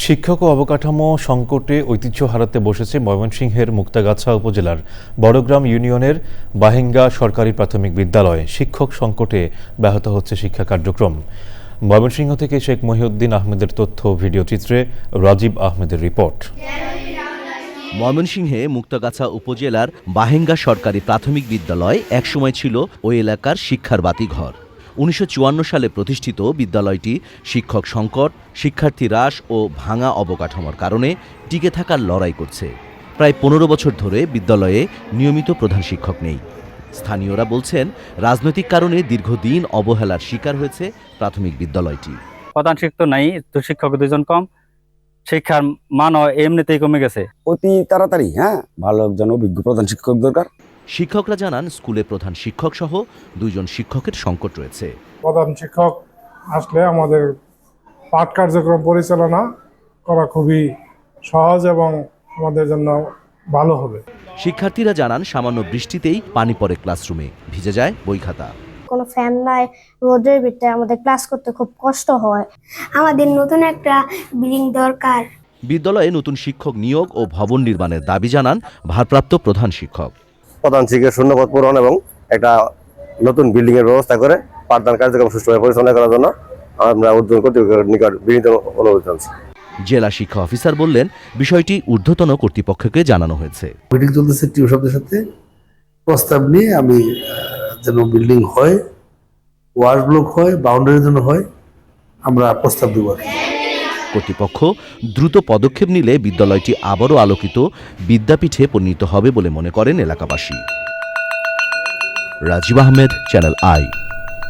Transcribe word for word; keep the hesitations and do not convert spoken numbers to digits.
শিক্ষক ও অবকাঠামো সংকটে ঐতিহ্য হারাতে বসেছে ময়মনসিংহের মুক্তাগাছা উপজেলার বড়গ্রাম ইউনিয়নের বাহিঙ্গা সরকারি প্রাথমিক বিদ্যালয়। শিক্ষক সংকটে ব্যাহত হচ্ছে শিক্ষা কার্যক্রম। ময়মনসিংহ থেকে শেখ মহিউদ্দিন আহমেদের তথ্য ভিডিও চিত্রে রাজীব আহমেদের রিপোর্ট। ময়মনসিংহে মুক্তাগাছা উপজেলার বাহিঙ্গা সরকারি প্রাথমিক বিদ্যালয় একসময় ছিল ওই এলাকার শিক্ষার বাতিঘর। উনিশশো চুয়ান্ন সালে প্রতিষ্ঠিত বিদ্যালয়টি শিক্ষক সংকট, শিক্ষার্থী হ্রাস ও ভাঙা অবকাঠামোর কারণে টিকে থাকার লড়াই করছে। প্রায় পনেরো বছর ধরে বিদ্যালয়ে নিয়মিত প্রধান শিক্ষক নেই। স্থানীয়রা বলছেন, রাজনৈতিক কারণে দীর্ঘদিন অবহেলার শিকার হয়েছে প্রাথমিক বিদ্যালয়টি। প্রধান শিক্ষক নাই, তো শিক্ষক দুজন কম, শিক্ষার মানও এমনিতেই কমে গেছে। অতি তাড়াতাড়ি হ্যাঁ ভালো একজন অভিজ্ঞ প্রধান শিক্ষক দরকার। শিক্ষকরা জানান, স্কুলে প্রধান শিক্ষক সহ দুইজন শিক্ষকের সংকট রয়েছে। প্রধান শিক্ষক আসলে আমাদের পাঠ কার্যক্রম পরিচালনা করা খুবই সহজ এবং আমাদের জন্য ভালো হবে। শিক্ষার্থীরা জানান, সামান্য বৃষ্টিতেই পানি পড়ে ক্লাসরুমে, ভিজে যায় বই খাতা। কোনো ফ্যান নাই, রোদের ভিতরে আমাদের ক্লাস করতে খুব কষ্ট হয়। আমাদের নতুন একটা বিল্ডিং দরকার। বিদ্যালয়ে নতুন শিক্ষক নিয়োগ ও ভবন নির্মাণের দাবি জানান ভারপ্রাপ্ত প্রধান শিক্ষক। প্রধান শিক্ষকের শূন্যপদ পূরণ এবং একটা নতুন বিল্ডিং এর ব্যবস্থা করে পাঠদান কার্যক্রম সুষ্ঠুভাবে পরিচালনা করার জন্য আমরা ঊর্ধ্বতন কর্তৃপক্ষের নিকট বিনীত অনুরোধ জানাচ্ছি। জেলা শিক্ষা অফিসার বললেন, বিষয়টি ঊর্ধ্বতন কর্তৃপক্ষকে জানানো হয়েছে। মিটিং চলতেছে টিও শব্দের সাথে, প্রস্তাব নিয়ে আমি যেন বিল্ডিং হয়, ওয়াশ ব্লক হয়, বাউন্ডারির জন্য হয়, আমরা প্রস্তাব দেব। কর্তৃপক্ষ দ্রুত পদক্ষেপ নিলে বিদ্যালয়টি আবারও আলোকিত বিদ্যাপীঠে পরিণত হবে বলে মনে করেন এলাকাবাসী। Rajib Ahmed, channel I.